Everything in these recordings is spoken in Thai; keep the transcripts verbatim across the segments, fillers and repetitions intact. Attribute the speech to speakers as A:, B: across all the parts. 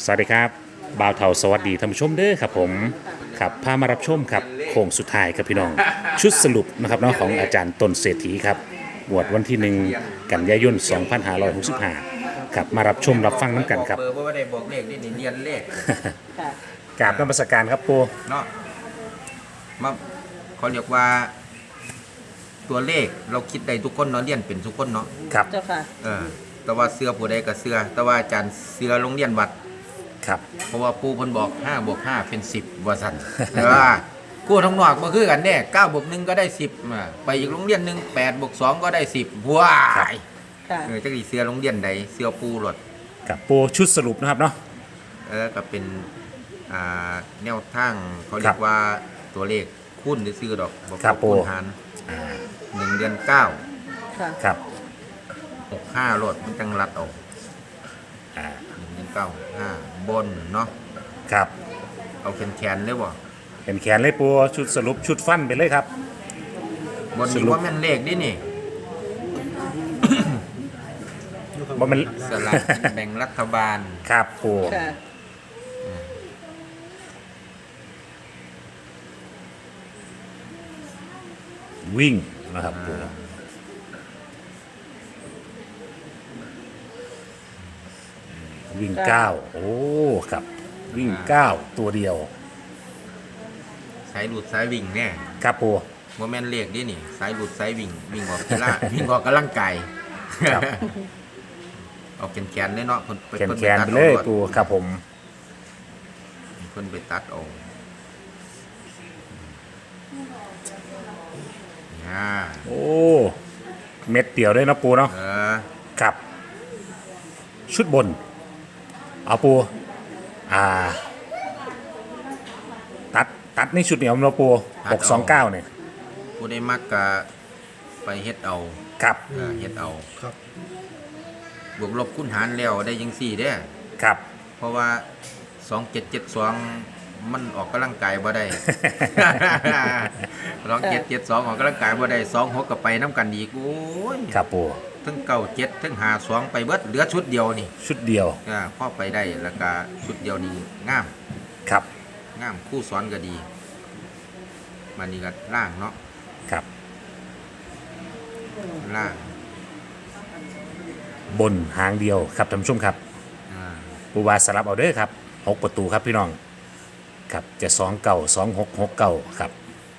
A: สวัสดีครับบ่าวเทาสวัสดีท่านผู้ชมเด้อครับผมครับพามารับชมครับโค้งสุดท้ายครับพี่น้องชุดสรุปนะครับเนาะของอาจารย์ต้นเศรษฐีครับงวดวันที่หนึ่งกันยายนสองพันห้าร้อยหกสิบห้าครับมารับชมรับฟังน้ำกันครับ
B: เบอร์บ่ได้บอกเลขนี่นี่เรียนเลข
C: ค่ะ
A: กราบนมัสการครับปู
B: เนาะมาเขาเรียกว่า ตัวเลขเราคิดได้ทุกคนเนาะเรียนเป็นทุกคนเนาะ
A: ครับ
C: เจ้าค่ะ
B: เออแต่ว่าเสื้อผู้ใดก็เสื้อแต่ว่าอาจารย์เสื้อโรงเรียนวัด
A: ครับ
B: เพราะว่าปู่เพิ่นบอกห้าบวกห้าเป็นสิบว่าซั่น แต่ว่ากู้ทั้งนอกบ่คือกันแน่เก้าบวกหนึ่งก็ได้สิบอ่าไปอีกโรงเรียนหนึงแปดบวกสองก็ได้สิบว้าย
C: ค่ะ
B: เออจักสิเสื้อโรงเรียนใดเสื้อปู่รถ
A: กับปูชุดสรุปนะครับเนาะ
B: เออก็เป็นอ่าแนวทางเขาเรี
A: ครั
B: ย
A: บ
B: กว่าตัวเลขคูณซื่อๆดอกบ่
A: ครับ
B: คูณ
A: ปู่
B: หาร
A: อ่า
B: หนึ่งเดือนเก้า
C: ค่ะ
A: ครับ
B: หกห้ารถมันจังรัดออก
A: อ่า
B: หนึ่งเดือนเก้าห้าบนเนาะ
A: ครับ
B: เอาแขนๆเลยบ่
A: เป็นแขนเลยปูชุดสรุปชุดฟันไปเลยครับ
B: บน
A: ส
B: นี้
A: รุป
B: ว่าแม่นเลขดินี่
A: บ่แมัน
B: สลากกินแบ่งรัฐบาล
A: ครับปู
C: ค่ะ
A: วิ่งนะครับปูวิ่งเก้าโอ้ครับ วิ่งเก้าตัวเดียว
B: สายหลุดสายวิ่งแน่
A: ครับปู
B: ว่าแม่นเลขดินี่สายหลุดสายวิ่งวิ่งออกกีฬา วิ่งออกกำลังกาย
A: ครับ
B: เอาแขนๆเลยเนาะเพิ่น
A: แขน
B: เพิ่น
A: แข
B: ไป
A: น
B: ตัด
A: ไปเลย
B: อา
A: ปูครับผม
B: เพิ่นไปตัดเอาอ่า
A: โอ้เม็ดเดียวด้วยนะปูเนาะ
B: เออ
A: ครับ ชุดบน เอาปูอ่า ตัดตัดในชุดเหนียวนะปูหกสองเก้าเนี่ย
B: ผู้ได้มักก็ไปเฮ็ดเอา
A: ครับ
B: เออเฮ็ดเอาบวกลบคูณหารแล้วได้ยังสี่เด้อ
A: ครับ
B: เพราะว่าสองเจ็ดเจ็ดสองมันออกกำลังกายบ่ได้ สองเจ็ดเจ็ดสองออกกำลังกายบ่ได้สองหกก็ไปน้ำกันอีกโอ้ย
A: ครับปู
B: ทั้งเก้าเจ็ดทั้งหาสองไปเบิดเหลือชุดเดียวนี่
A: ชุดเดียว
B: อ่าพ่อไปได้แล้วก็ชุดเดียวนี่งาม
A: ครับ
B: งามคู่สอนก็ดีมันนี่ก็ล่างเนาะ
A: ครับ
B: ล่าง
A: บนหางเดียวครับท่านผู้ชมครับ
B: อ่า
A: ปูวาสลับเอาเด้อครับหกประตูครับพี่น้องครับจะสองเก่าสองหกหกเก่าครับ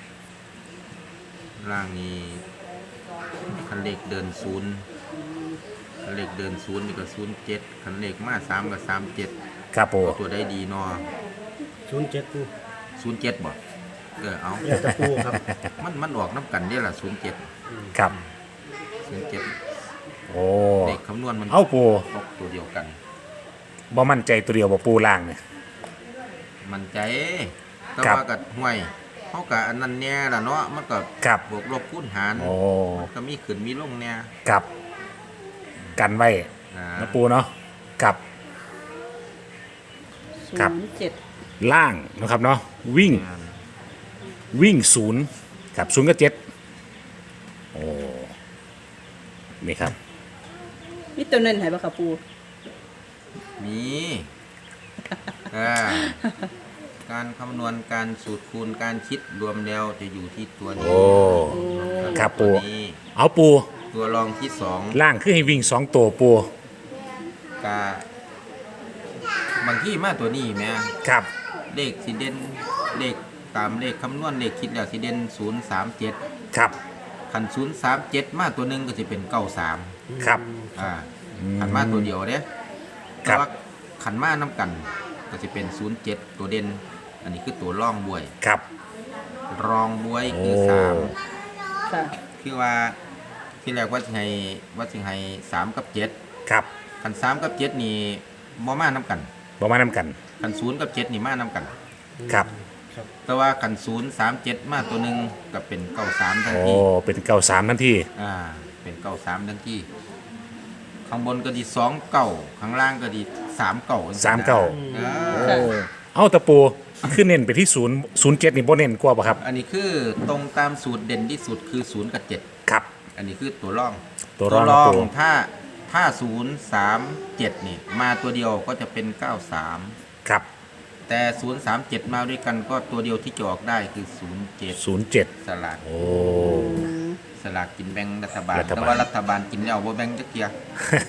B: ล่างนี้คันเลขเดินศูนย์คันเลขเดินศูนย์นี่ก็ศูนย์เจ็ดคันเลขมาสามก็สามเจ็ด
A: ครับปู
B: ตัวได้ดีเนอ
D: ศูนย์เจ็ดปู
B: ศูนย์เจ็ดบ่เออเอา
D: เรียกตะปูครับ
B: มันมันออกน้ำกันเนี่ยล่ะศูนย์เจ็ด
A: ครับ
B: ศูนย์เจ็ด
A: โอ้
B: เลขคำนวณมัน
A: เอาปู
B: ตกตัวเดียวกัน
A: บ่มั่นใจตัวเดียวบ่ปูล่างเนี่ย
B: มันใจแต่
A: ครับ
B: ว่ากับห่วยเขากับอันนั้นเนี่ยล่ะเนาะมันก็
A: ครับ
B: บวกลบคูณหาร
A: โอ้
B: ก็มีขึ้นมีลงเนี่ย
A: กับกันไว้
B: อ่า
A: นะปูเนาะกับ
C: ศู
A: ครับ
C: นย์เจ็ด
A: ล่างนะครับเนาะวิ่งวิ่งศูนย์กับศูนย์กับเจ็ดโอ้นี่ครับ
C: มีตัวเน้นให้บ่ค่ะปู
B: มีอ่าการคำนวณการสูตรคูณการคิดรวมแล้วจะอยู่ที่ตัวนี้
A: โอ้ครับ
B: ตั
A: ปู
B: วนี้
A: เอาปู
B: ตัวรองที่สอง
A: ล่างคือให้วิ่งสองตัวปู
B: กาบางที่มาตัวนี้แม่
A: ครับ
B: เลขสิเด่นเลขตามเลขคำนวณเลขคิดแล้วสิเด่นศูนย์สามเจ็ด
A: ครับ
B: ขันศูนย์สามเจ็ดมาตัวหนึ่งก็จะเป็นเก้าสาม
A: ครับ
B: อ่าขันมาตัวเดียวเด้
A: ค
B: แต่
A: รับ
B: ว่าขันมาน้ำกัน ก็จะเป็นศูนย์เจ็ดตัวเด่นอันนี้คือตัวร่องบวย
A: ครับ
B: รองบวยคือ
A: โอ้
B: สาม
C: ค่ะ
B: คือว่าที่แรกว่าสิให้ว่าสิให้สามกับเจ็ด
A: ครับ
B: ขันสามกับเจ็ดนี่บ่มาน้ำกัน
A: บ่มาน้ำกัน
B: ขันศูนย์กับเจ็ดนี่มาน้ำกัน
A: ครับ
B: แต่ว่าขันศูนย์สามเจ็ดมาตัวหนึ่งก็เป็นเก้าสามทัน
A: โอ้
B: ที
A: เป็นเก้าสามทันที
B: อ่าเป็นเก้าสามทันทีข้างบนก็ดีสองเก้าข้างล่างก็ดีสามเก้า
A: สามเก้า
B: อ่า
A: โอ้เอาตะปูขึ้นเน้นไปที่ศูนย์ศูนย์เจ็ดนี่บ่เน้นกว่าป่ะครับ
B: อันนี้คือตรงตามสูตรเด่นที่สุดคือศูนย์กับเจ็ด
A: ครับ
B: อันนี้คือตัวร่อง
A: ตัวร่องนะปู
B: ถ้าถ้าศูนย์สามเจ็ดนี่มาตัวเดียวก็จะเป็นเก้าสาม
A: ครับ
B: แต่ศูนย์สามเจ็ดมาด้วยกันก็ตัวเดียวที่จะออกได้คือศูนย์เจ็ด
A: ศูนย์เจ็ด
B: สลาก
A: โอ้
B: สลากกินแบ่งรัฐบาล
A: รัฐบาล
B: แต่ว่ารัฐบาลกินแล้วบ่แบ่งจักเกีย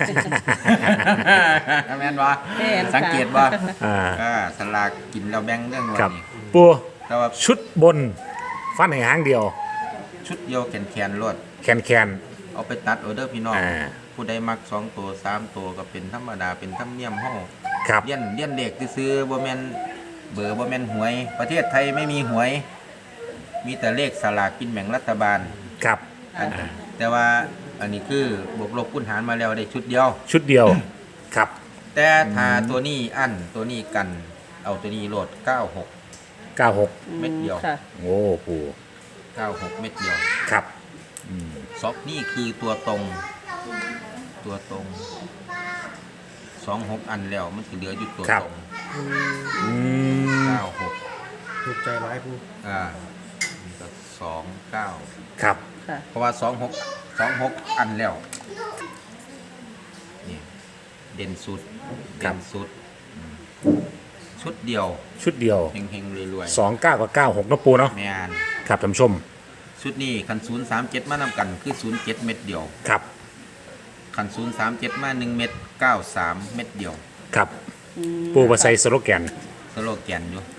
B: แม่นบ่
C: แม่นค่ะ
B: สังเกตบ่
A: อ่า
B: อ่าสลากกินแล้วแบ่งเรื่องว่า
A: ครับ
B: นี่
A: ปู
B: แต่ว่า
A: ชุดบน ฟันให้หางเดียว
B: ชุดเดียวแขนๆรวด
A: แคนแคน
B: เอาไปตัดเอาเด้อพี่น้อง
A: อ่า
B: ผู้ใดมักสองตัวสามตัวก็เป็นธรรมดาเป็นธรรมเนียมเฮา
A: ครับ
B: เลี้ยนเลี้ยนเลขซื้อๆบ่แม่นเบอร์บ่แม่นหวย ประเทศไทยไม่มีหวย มีแต่เลขสลากกินแบ่งรัฐบาล
A: ครับ
B: อันแต่ว่าอันนี้คือบวกลบคูณหารมาแล้วได้ชุดเดียว
A: ชุดเดียว ครับ
B: แต่ถ้าตัวนี้อันตัวนี้กันเอาตัวนี้โหลดเก้าหก
A: เก้าหก
B: เม็ดเดียว
C: ค่ะ
A: โอ้ปู
B: เก้าหกเม็ดเดียว
A: ครับ
B: ซอกนี่คือตัวตรง ตัวตรงสองหกอันแล้วมันจะเหลืออยู่ตัวตรง
A: อืม
B: เก้าหก
D: ถูกใจร้ายปู
B: อ่านี่ก็สองเก้า
A: ครับ
C: ค่ะ
B: เพราะว่าสองหกสองหกอันแล้วนี่เด่นสุด
A: ครั
B: เด่
A: บ
B: นสุดอืมชุดเดียว
A: ชุดเดียว
B: เฮงๆรวย
A: สองเก้ากับเก้าหกนะปูเนาะ
B: ๆแม่น
A: ครับท่านผู้ชม
B: ชุดนี้คันศูนย์สามเจ็ดมานำกันคือศูนย์เจ็ดเม็ดเดียว
A: ครับ
B: คันศูนย์สามเจ็ดมาหนึ่งเม็ดเก้าสามเม็ดเดียว
A: ครับ
C: อืม
A: ปูมาใส่สโลแกน
B: สโลแกนอยู่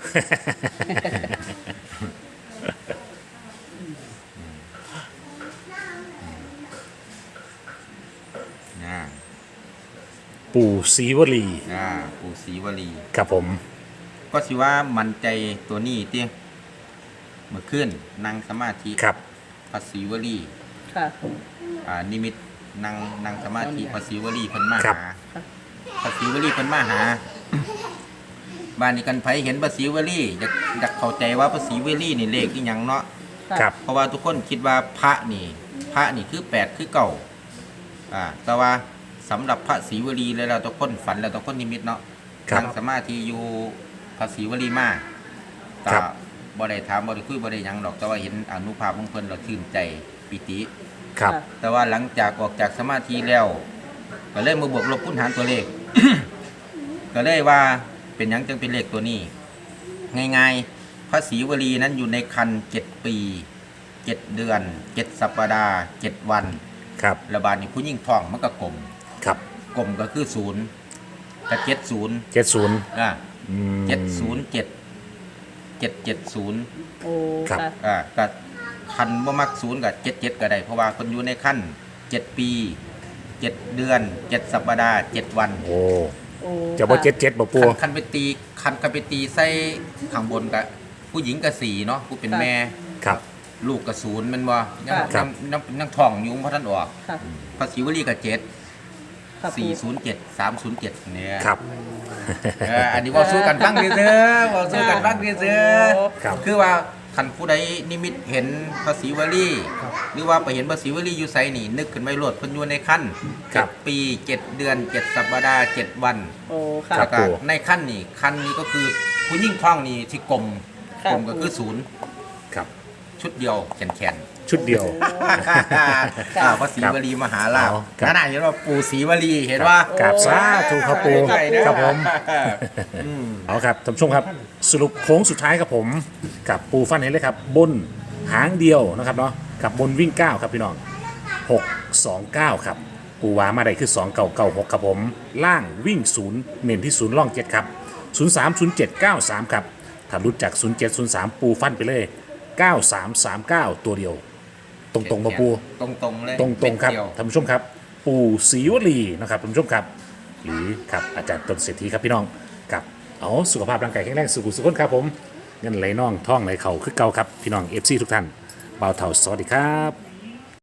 B: นะ
A: ปูศรีวลี
B: อ่าปูศรีวลี
A: ครับผม
B: ก็สิว่ามันใจตัวนี้เตี้ยเมื่อคืนนั่งสมาธิ
A: ครับ
B: พระศรีวลี
C: ค่ะ
B: อ่านิมิตนั่งนั่งสมาธิพระศรีวลีเพิ่นมา
A: ครับ
B: หาพระศรีวลีเพิ่นมาหา บ้านนี้กันไผเห็นพระศรีวลีอยากอยากเข้าใจว่าพระศรีวลีนี่เลขอีหยังเนาะ
C: ค่ะ
A: ครับ
B: เพราะว่าทุกคนคิดว่าพระนี่ พระนี่คือแปดคือเก่าอ่าแต่ว่าสำหรับพระศรีวลีแล้วเราทุกคนฝันแล้วทุกคนนิมิตเนาะ
A: ครับ
B: นั่งสมาธิอยู่พระศรีวลีมา
A: ครั
B: ก็
A: บ
B: บ่ได้ถามบ่ได้คุยบ่ได้หยังดอกแต่ว่าเห็นอนุภาพของเพิ่นเราชื่นใจปิติ
A: ครับ
B: แต่ว่าหลังจากออกจากสมาธิแล้วก็เลยมาบวกลบคูณหารตัวเลข ก็เลยว่าเป็นหยังจึงเป็นเลขตัวนี้ ง่ายๆพระศรีวลีนั้นอยู่ในคันเจ็ดปีเจ็ดเดือนเจ็ดสัปดาห์เจ็ดวัน
A: ครับ
B: ระบาดนี้ผู้ยิ่งท้องมันก็กลม
A: ครับ
B: กลมก็คือศูนย์กับเจ็ดศูนย์
A: เจ็ดศูนย์
B: อ่า
A: อืม
B: เจ็ดศูนย์เจ็ดเจ็ดเจ็ดศูนย์
C: โอ้
A: ครับ
C: ค่ะ
B: อ่าก็คันบ่มักศูนย์กับเจ็ดเจ็ดก็ได้เพราะว่าคนอยู่ในขั้นเจ็ดปีเจ็ดเดือนเจ็ดสัปดาห์เจ็ดวัน
A: โอ้
C: โอ้
A: จะบ่เจ็ดเจ็ดบ่ปู
B: คันคันไปตีคันคันไปตีใส่ข้างบนกับผู้หญิงกับสี่เนาะผู้เป็นแม่
A: ครับ
B: ลูกกับศูนย์แมันบ่ยัง
A: ครั
B: ยั
A: บ
B: งยังยังท้องอยู่เพราะท่านออก
C: ค่ะ
B: ภาษีวลีกับเจ็ด
C: ค่ะ
B: สี่
C: ปู
B: ศูนย์เจ็ดสามศูนย์เจ็ดเนี่ย
A: ครับ
B: เอออันนี้เว่าสู้กันฟังดีเด้อเว่าสู้กันฟังดีเด้อ
A: ครับ
B: คือว่าคันผู้ใดนิมิตเห็นภาษีวลีหรือว่าไปเห็นภาษีวลีอยู่ไสนี่นึกขึ้นไม่รวดเพิ่นอยู่ในขั้น
A: ครั
B: เจ็
A: บ
B: ดปีเจ็ดเดือนเจ็ดสัปดาห์เจ็ดวัน
C: โอ้ค่ะ
A: ครับ
B: แล้วก็
A: ปู่
B: ในขั้นนี่ขั้นนี้ก็คือผู้ยิ่งท้องนี่ที่กลม
C: ครับ
B: กลมก็คือศูนย์
A: ครับ
B: ชุดเดียวแขนแขน
A: ชุดเดียว
B: อ่าพระศรีวลีมหาลาภ
A: อ๋อครับ
B: นั่นน่ะเห็นว่าปู่ศรีวลีเห็นว่า
A: กราบสาธุครับปู
B: ใช่เด้อ
A: ครับผม
B: อืม
A: เอาครับท่านผู้ชมครับสรุปโค้งสุดท้ายครับผมกับปูฟันเห็นเลยครับ บนหางเดียวนะครับเนาะกับบนวิ่งเก้าครับพี่น้องหกสองเก้าครับปูวามาได้คือสองเก้าเก้าหกครับผมล่างวิ่งศูนย์เน้นที่ศูนย์ล่องเจ็ดครับศูนย์สามศูนย์เจ็ดเก้าสามครับถ้ารุดจากศูนย์เจ็ดศูนย์สามปูฟันไปเลยเก้าสามสามเก้าตัวเดียว ตรงตรงๆมาปู
B: ตรงตรงๆเลย
A: ตรงตรงๆครับ
B: เม็ดเดียว
A: ท่านผู้ชมครับ ปู่ศรีวลีนะครับท่านผู้ชมครับ หรือครับอาจารย์ต้นเศรษฐีครับพี่น้องกับเอาสุขภาพร่างกายแข็งแรงสุขุสุขนครับผมเงินไหลน่องท่องไหลเข่าคือเก่าครับพี่น้องเอฟซีทุกท่านบ่าวเถ่าสวัสดีครับ